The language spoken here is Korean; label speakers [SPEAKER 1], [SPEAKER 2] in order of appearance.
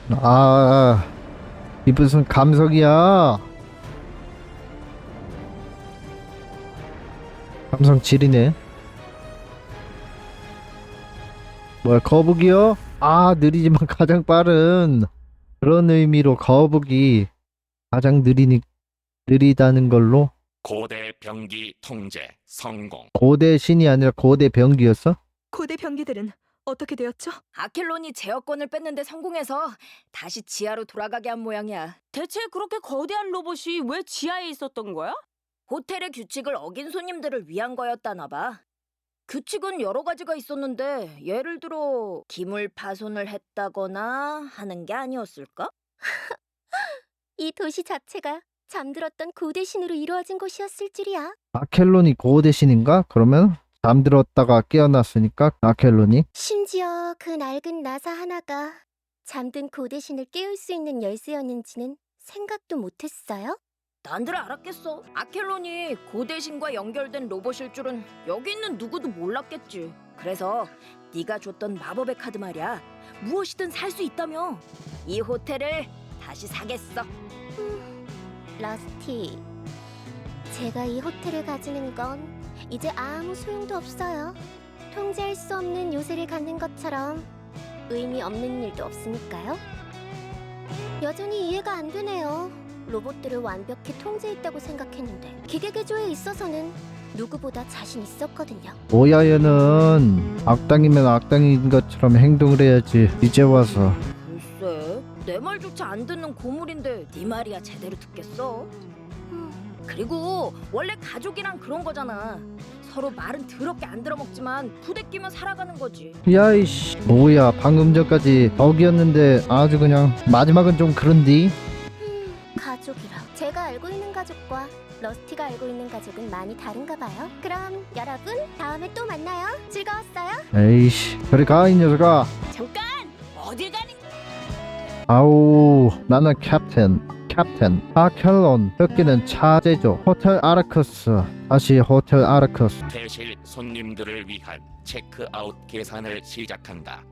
[SPEAKER 1] 아, 이 무슨 감성이야? 감성 지리네. 뭐야, 거북이요? 아, 느리지만 가장 빠른. 그런 의미로 거북이 가장 느리다는 걸로.
[SPEAKER 2] 고대 병기 통제 성공.
[SPEAKER 1] 고대 신이 아니라 고대 병기였어?
[SPEAKER 3] 고대 병기들은 어떻게 되었죠?
[SPEAKER 4] 아켈론이 제어권을 뺐는데 성공해서 다시 지하로 돌아가게 한 모양이야.
[SPEAKER 5] 대체 그렇게 거대한 로봇이 왜 지하에 있었던 거야?
[SPEAKER 4] 호텔의 규칙을 어긴 손님들을 위한 거였다나 봐. 규칙은 여러 가지가 있었는데 예를 들어 기물 파손을 했다거나 하는 게 아니었을까?
[SPEAKER 6] 이 도시 자체가 잠들었던 고대 신으로 이루어진 곳이었을 줄이야.
[SPEAKER 1] 아켈론이 고대 신인가? 그러면 잠들었다가 깨어났으니까 아켈론이.
[SPEAKER 6] 심지어 그 낡은 나사 하나가 잠든 고대 신을 깨울 수 있는 열쇠였는지는 생각도 못했어요.
[SPEAKER 4] 난들 알았겠어. 아켈론이 고대신과 연결된 로봇일 줄은 여기 있는 누구도 몰랐겠지. 그래서 네가 줬던 마법의 카드 말이야. 무엇이든 살 수 있다며. 이 호텔을 다시 사겠어.
[SPEAKER 6] 러스티, 제가 이 호텔을 가지는 건 이제 아무 소용도 없어요. 통제할 수 없는 요새를 갖는 것처럼 의미 없는 일도 없으니까요. 여전히 이해가 안 되네요. 로봇들을 완벽히 통제했다고 생각했는데 기계 개조에 있어서는 누구보다 자신 있었거든요.
[SPEAKER 1] 뭐야, 얘는 악당이면 악당인 것처럼 행동을 해야지. 이제 와서.
[SPEAKER 4] 글쎄, 내 말조차 안 듣는 고물인데 네 말이야 제대로 듣겠어? 그리고 원래 가족이란 그런 거잖아. 서로 말은 더럽게 안 들어먹지만 부대끼면 살아가는 거지.
[SPEAKER 1] 야이씨, 뭐야, 방금 전까지 덕이었는데 아주 그냥 마지막은 좀 그런디.
[SPEAKER 6] 가족이라. 제가 알고 있는 가족과 러스티가 알고 있는 가족은 많이 다른가 봐요. 그럼 여러분, 다음에 또 만나요. 즐거웠어요?
[SPEAKER 1] 에이씨, 그래 가, 이 녀석아.
[SPEAKER 5] 잠깐! 어딜 가는
[SPEAKER 1] 아우, 나는 캡틴 아켈론. 여기는 차제죠. 호텔 아르크스. 다시 호텔 아르크스.
[SPEAKER 2] 퇴실 손님들을 위한 체크아웃 계산을 시작한다.